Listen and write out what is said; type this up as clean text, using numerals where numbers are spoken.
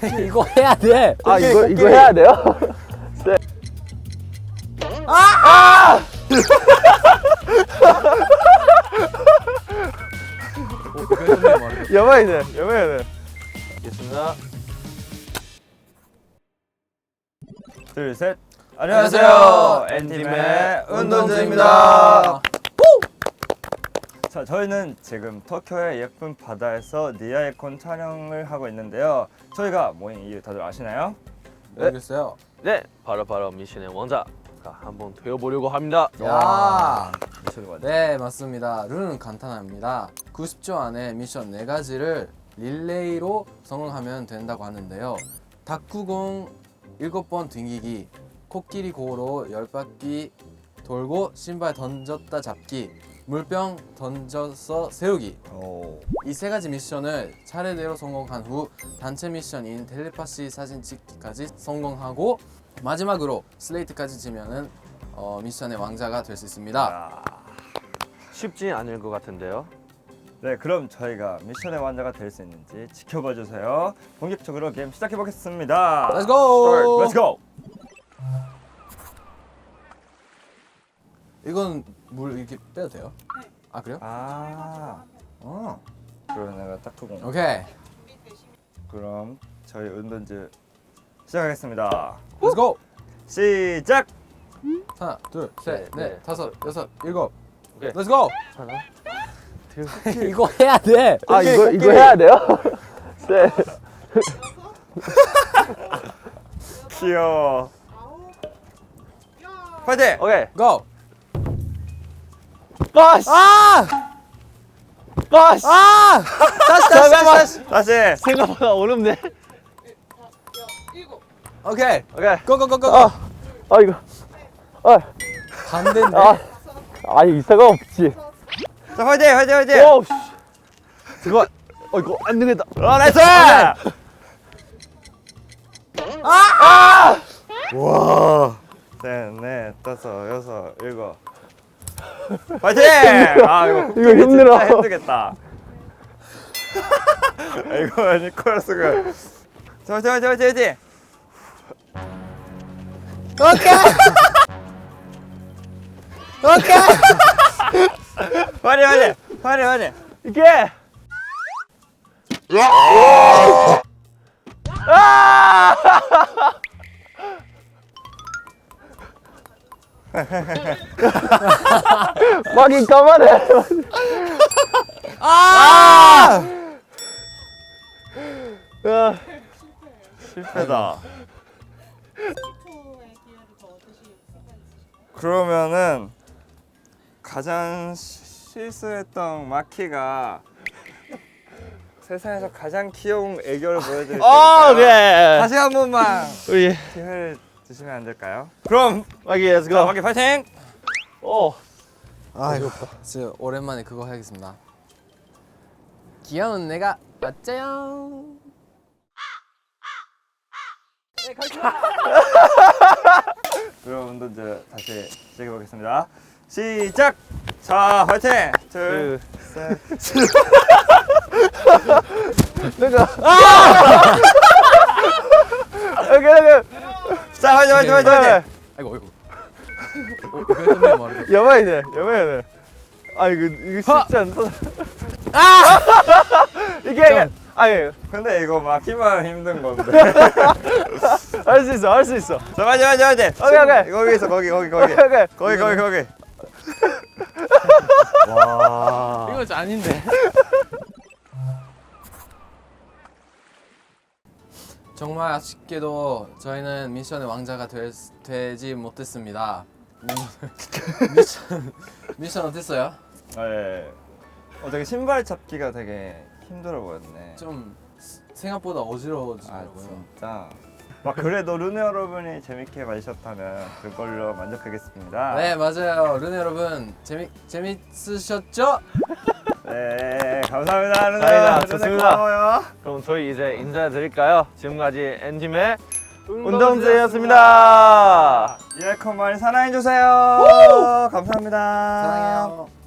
이거 해야 돼. 아 이거 해야 돼요? 네. 여봐야 돼. 알겠습니다. 둘, 셋. 안녕하세요. N팀의 운동주입니다. 자, 저희는 지금 터키의 예쁜 바다에서 니아이콘 촬영을 하고 있는데요. 저희가 모인 이유 다들 아시나요? 모르겠어요. 네, 바로 미션의 왕자가 한번 되어보려고 합니다. 야. 미션 완전. 네, 맞습니다. 룰은 간단합니다. 90초 안에 미션 4가지를 릴레이로 성공하면 된다고 하는데요. 탁구공 7번 튕기기, 코끼리 고로 10바퀴 돌고 신발 던졌다 잡기, 물병 던져서 세우기. 오. 이 3가지 미션을 차례대로 성공한 후 단체 미션인 텔레파시 사진 찍기까지 성공하고 마지막으로 슬레이트까지 지면은 미션의 왕자가 될 수 있습니다. 아. 쉽지 않을 것 같은데요. 네, 그럼 저희가 미션의 완자가 될 수 있는지 지켜봐 주세요. 본격적으로 게임 시작해 보겠습니다. Let's go! Let's go. 이건 물 이렇게 빼도 돼요? 아 그래요? 아. 그럼 내가 탁구공. 오케이. 그럼 저희 운동즈 시작하겠습니다. Let's go! 시작. 하나, 둘, 셋, 네, 넷, 다섯, 여섯, 일곱. 오케이. Let's go! 하나. 이거 해야 돼. 아, 이거 해야 돼요? 네. 귀여워. 파이팅! 오케이. Go! 빠시! 빠시! 다시. 생각보다 어렵네. 오케이. 오케이. Go, go, go, go. 이거. 반대인데. 아니 이사가 없지. 자, 파이팅! 오, 씨. 잠깐만. 이거 안 되겠다. 나이스! 와. 셋, 넷, 다섯, 여섯, 일곱. 파이팅! 아, 이거 힘들어. 진짜 힘들겠다. 이거 니콜라스가. 자, 파이팅! 오케이. 파이팅! 이게. 막이 까만해. 실패다. 그러면은 가장 실수했던 마키가 세상에서 가장 귀여운 애교를 보여드릴 테니까 오케이. 다시 한 번만 우리 기회를 주시면 안 될까요? 그럼 막이 렛츠 자, 고. 마키 파이팅! 오. 아이고. 진짜 오랜만에 그거 해야겠습니다. 귀여운 내가 맞자요. 그럼 운동즈 다시 시작해 보겠습니다. 시작! 자, 파이팅! 둘, 셋. 내가. 오케이. 자, 파이팅! 아이고. 이거 끝내면 말이야. 여봐야 돼. 이거 쉽지 않다. 이게 아니 근데 이거 마키만 힘든 건데. 할 수 있어. 자, 파이팅! 오케이. 거기서 거기. 오케이. 와. 이거 진짜 아닌데. 정말 아쉽게도 저희는 미션의 왕자가 되지 못했습니다. 미션 어땠어요? 네. 되게 신발 잡기가 되게 힘들어 보였네. 좀 생각보다 아, 어지러워지더라고요. 진짜. 그래도 르네 여러분이 재밌게 봐주셨다면 그걸로 만족하겠습니다. 네, 맞아요. 르네 여러분 재밌으셨죠? 네, 감사합니다. 르네. 다행이다. 르네 좋습니다. 고마워요. 그럼 저희 이제 인사드릴까요? 지금까지 N팀의 운동주였습니다. 이에코 많이 사랑해주세요. 감사합니다. 사랑해요.